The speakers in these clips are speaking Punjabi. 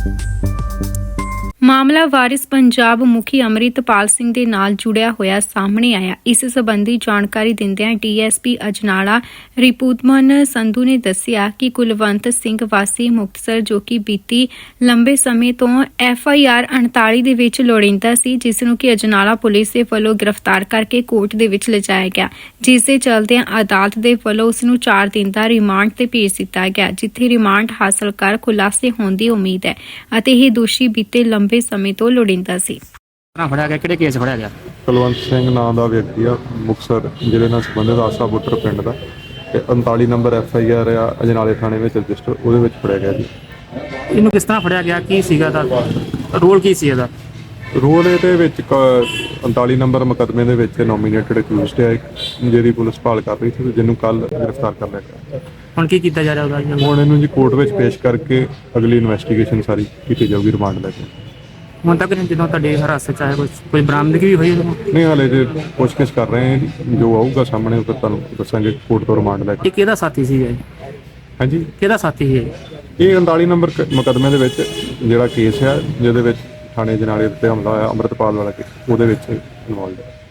ਮਾਮਲਾ ਵਾਰਿਸ ਪੰਜਾਬ ਮੁਖੀ ਅੰਮ੍ਰਿਤਪਾਲ ਸਿੰਘ ਦੇ ਨਾਲ ਜੁੜਿਆ ਹੋਇਆ ਸਾਹਮਣੇ ਆਇਆ। ਇਸ ਸੰਬੰਧੀ ਜਾਣਕਾਰੀ ਦਿੰਦਿਆਂ ਡੀਐਸਪੀ ਅਜਨਾਲਾ ਰਿਪੂਤਮਨ ਸੰਧੂ ਨੇ ਦੱਸਿਆ ਕਿ ਕੁਲਵੰਤ ਸਿੰਘ ਵਾਸੀ ਮੁਕਤਸਰ ਜੋ ਕਿ ਬੀਤੀ ਲੰਬੇ ਸਮੇਂ ਤੋਂ FIR 39 ਦੇ ਵਿੱਚ ਲੋੜੀਂਦਾ ਸੀ, ਜਿਸ ਨੂੰ ਕਿ ਅਜਨਾਲਾ ਪੁਲਿਸ ਦੇ ਵੱਲੋਂ ਗ੍ਰਿਫਤਾਰ ਕਰਕੇ ਕੋਰਟ ਦੇ ਵਿੱਚ ਲਿਜਾਇਆ ਗਿਆ, ਜਿਸ ਦੇ ਚਲਦਿਆਂ ਅਦਾਲਤ ਦੇ ਵੱਲੋਂ ਉਸ ਨੂੰ 4 ਦਿਨ ਦਾ ਰਿਮਾਂਡ ਤੇ ਭੇਜ ਦਿੱਤਾ ਗਿਆ, ਜਿੱਥੇ ਰਿਮਾਂਡ ਹਾਸਲ ਕਰ ਖੁਲਾਸੇ ਹੋਣ ਦੀ ਉਮੀਦ ਹੈ ਅਤੇ ਇਹ ਦੋਸ਼ੀ ਬੀਤੇ ਲੰਬੇ ਸਮੇਂ ਤੋਂ ਲੋੜੀਂਦਾ ਸੀ। ਫੜਿਆ ਗਿਆ ਕਿਹੜੇ ਕੇਸ ਫੜਿਆ ਗਿਆ? ਕੁਲਵੰਤ ਸਿੰਘ ਨਾਂ ਦਾ ਵਿਅਕਤੀ ਆ, ਮੁਕਤਸਰ ਜ਼ਿਲ੍ਹੇ ਨਾਲ ਸੰਬੰਧਿਤ ਆਸਾ ਬੁੱਟਰ ਪਿੰਡ ਦਾ, ਤੇ 39 ਨੰਬਰ FIR ਆ ਅਜਨਾਲੇ ਥਾਣੇ ਵਿੱਚ ਰਜਿਸਟਰ, ਉਹਦੇ ਵਿੱਚ ਫੜਿਆ ਗਿਆ ਜੀ। ਇਹਨੂੰ ਕਿਸ ਤਰ੍ਹਾਂ ਫੜਿਆ ਗਿਆ? ਕੀ ਸੀਗਾ ਦਾ ਰੋਲ? ਕੀ ਸੀ ਇਹਦਾ ਰੋਲ? ਇਹਦੇ ਵਿੱਚ 39 ਨੰਬਰ ਮੁਕੱਦਮੇ ਦੇ ਵਿੱਚ ਨੋਮੀਨੇਟਡ ਅਕਿਊਜ਼ਡ ਹੈ, ਜਿਹਦੀ ਪੁਲਿਸ ਭਾਲ ਕਰ ਰਹੀ ਸੀ, ਜਿਹਨੂੰ ਕੱਲ ਗ੍ਰਿਫਤਾਰ ਕਰ ਲਿਆ ਗਿਆ। ਹੁਣ ਕੀ ਕੀਤਾ ਜਾ ਰਿਹਾ ਉਹਦਾ? ਹੁਣ ਇਹਨੂੰ ਜੀ ਕੋਰਟ ਵਿੱਚ ਪੇਸ਼ ਕਰਕੇ ਅਗਲੀ ਇਨਵੈਸਟੀਗੇਸ਼ਨ ਸਾਰੀ ਕੀਤੀ ਜਾਊਗੀ ਰਿਮਾਂਡ ਲੈ ਕੇ। ਹੁਣ ਤੱਕ ਜਦੋਂ ਤੁਹਾਡੇ ਹਿਰਾਸਤ ਚ ਆਇਆ ਕੋਈ ਬਰਾਮਦਗੀ ਵੀ ਹੋਈ? ਨਹੀਂ, ਹਾਲੇ ਜੇ ਪੁੱਛਗਿੱਛ ਕਰ ਰਹੇ ਹਾਂ ਜੀ, ਜੋ ਆਊਗਾ ਸਾਹਮਣੇ ਉਹ ਫਿਰ ਤੁਹਾਨੂੰ ਦੱਸਾਂਗੇ ਕੋਰਟ ਤੋਂ ਰਿਮਾਂਡ ਲੈ ਕੇ। ਇਹ ਕਿਹਦਾ ਸਾਥੀ ਸੀਗਾ? ਹਾਂਜੀ, ਕਿਹਦਾ ਸਾਥੀ ਸੀ ਇਹ 39 ਨੰਬਰ ਮੁਕੱਦਮੇ ਦੇ ਵਿੱਚ ਜਿਹੜਾ ਕੇਸ ਹੈ, ਜਿਹਦੇ ਵਿੱਚ ਥਾਣੇ ਅਜਨਾਲੇ ਉੱਤੇ ਹਮਲਾ ਹੋਇਆ ਅੰਮ੍ਰਿਤਪਾਲ ਵਾਲਾ ਕੇਸ, ਉਹਦੇ ਵਿੱਚ ਇਨਵੋਲਵ ਹੈ।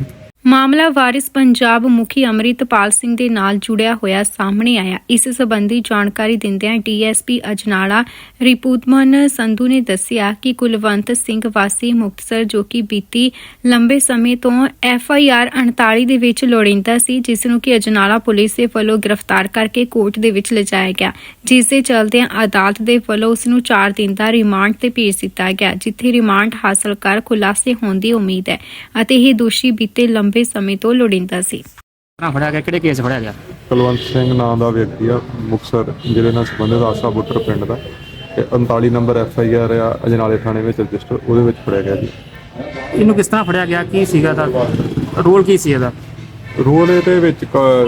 ਮਾਮਲਾ ਵਾਰਿਸ ਪੰਜਾਬ ਮੁਖੀ ਅੰਮ੍ਰਿਤਪਾਲ ਸਿੰਘ ਦੇ ਨਾਲ ਜੁੜਿਆ ਹੋਇਆ ਸਾਹਮਣੇ ਆਇਆ। ਇਸ ਸੰਬੰਧੀ ਜਾਣਕਾਰੀ ਦਿੰਦਿਆਂ ਡੀਐਸਪੀ ਅਜਨਾਲਾ ਰਿਪੂਤਮਨ ਸੰਧੂ ਨੇ ਦੱਸਿਆ ਕਿ ਕੁਲਵੰਤ ਸਿੰਘ ਵਾਸੀ ਮੁਕਤਸਰ ਜੋ ਕਿ ਬੀਤੀ ਲੰਬੇ ਸਮੇਂ ਤੋਂ FIR 39 ਦੇ ਵਿੱਚ ਲੋੜੀਂਦਾ ਸੀ, ਜਿਸ ਨੂੰ ਕਿ ਅਜਨਾਲਾ ਪੁਲਿਸ ਦੇ ਵੱਲੋਂ ਗ੍ਰਿਫਤਾਰ ਕਰਕੇ ਕੋਰਟ ਦੇ ਵਿੱਚ ਲਿਜਾਇਆ ਗਿਆ, ਜਿਸ ਦੇ ਚਲਦਿਆਂ ਅਦਾਲਤ ਦੇ ਵੱਲੋਂ ਉਸ ਨੂੰ 4 ਦਿਨ ਦਾ ਰਿਮਾਂਡ ਤੇ ਭੇਜ ਦਿੱਤਾ ਗਿਆ, ਜਿੱਥੇ ਰਿਮਾਂਡ ਹਾਸਲ ਕਰ ਖੁਲਾਸੇ ਹੋਣ ਦੀ ਉਮੀਦ ਹੈ ਅਤੇ ਇਹ ਦੋਸ਼ੀ ਬੀਤੇ ਲੰਬੇ ਸਮੇਂ ਤੋਂ ਲੋੜੀਂਦਾ ਸੀ। ਫੜਿਆ ਗਿਆ ਕਿਹੜੇ ਕੇਸ ਫੜਿਆ ਗਿਆ? ਕੁਲਵੰਤ ਸਿੰਘ ਨਾਂ ਦਾ ਵਿਅਕਤੀ ਆ, ਮੁਕਤਸਰ ਜ਼ਿਲ੍ਹੇ ਨਾਲ ਸੰਬੰਧਿਤ ਆਸਾ ਬੁੱਟਰ ਪਿੰਡ ਦਾ, ਤੇ 39 ਨੰਬਰ FIR ਆ ਅਜਨਾਲੇ ਥਾਣੇ ਵਿੱਚ ਰਜਿਸਟਰ, ਉਹਦੇ ਵਿੱਚ ਫੜਿਆ ਗਿਆ ਜੀ। ਇਹਨੂੰ ਕਿਸ ਤਰ੍ਹਾਂ ਫੜਿਆ ਗਿਆ? ਕੀ ਸੀਗਾ ਦਾ ਰੋਲ? ਕੀ ਸੀ ਇਹਦਾ? ਰੋਲ? ਇਹਦੇ ਵਿੱਚ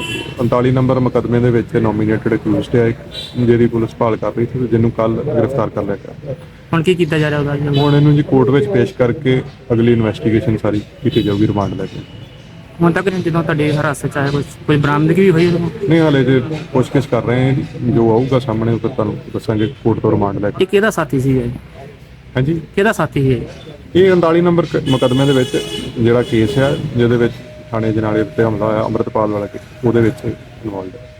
39 ਨੰਬਰ ਮੁਕੱਦਮੇ ਦੇ ਵਿੱਚ ਨੋਮੀਨੇਟਡ ਅਕਿਊਜ਼ਡ ਹੈ, ਜਿਹਦੀ ਪੁਲਿਸ ਭਾਲ ਕਰ ਰਹੀ ਸੀ, ਜਿਹਨੂੰ ਕੱਲ ਗ੍ਰਿਫਤਾਰ ਕਰ ਲਿਆ ਗਿਆ। ਹੁਣ ਕੀ ਕੀਤਾ ਜਾ ਰਿਹਾ ਉਹਦਾ? ਹੁਣ ਇਹਨੂੰ ਜੀ ਕੋਰਟ ਵਿੱਚ ਪੇਸ਼ ਕਰਕੇ ਅਗਲੀ ਇਨਵੈਸਟੀਗੇਸ਼ਨ ਸਾਰੀ ਕੀਤੀ ਜਾਊਗੀ ਰਿਮਾਂਡ ਲੈ ਕੇ। ਹੁਣ ਤੱਕ ਜਦੋਂ ਤੁਹਾਡੇ ਹਿਰਾਸਤ ਚ ਆਇਆ ਕੋਈ ਬਰਾਮਦਗੀ ਵੀ ਹੋਈ? ਨਹੀਂ, ਹਾਲੇ ਜੇ ਪੁੱਛਗਿੱਛ ਕਰ ਰਹੇ ਹਾਂ ਜੀ, ਜੋ ਆਊਗਾ ਸਾਹਮਣੇ ਉਹ ਫਿਰ ਤੁਹਾਨੂੰ ਦੱਸਾਂਗੇ ਕੋਰਟ ਤੋਂ ਰਿਮਾਂਡ ਲੈ ਕੇ। ਇਹ ਕਿਹਦਾ ਸਾਥੀ ਸੀਗਾ? ਹਾਂਜੀ, ਕਿਹਦਾ ਸਾਥੀ ਸੀ? ਇਹ 39 ਨੰਬਰ ਮੁਕੱਦਮੇ ਦੇ ਵਿੱਚ ਜਿਹੜਾ ਕੇਸ ਹੈ, ਜਿਹਦੇ ਵਿੱਚ ਥਾਣੇ ਅਜਨਾਲੇ ਉੱਤੇ ਹਮਲਾ ਹੋਇਆ ਅੰਮ੍ਰਿਤਪਾਲ ਵਾਲਾ ਕੇਸ, ਉਹਦੇ ਵਿੱਚ ਇਨਵੋਲਵ ਹੈ।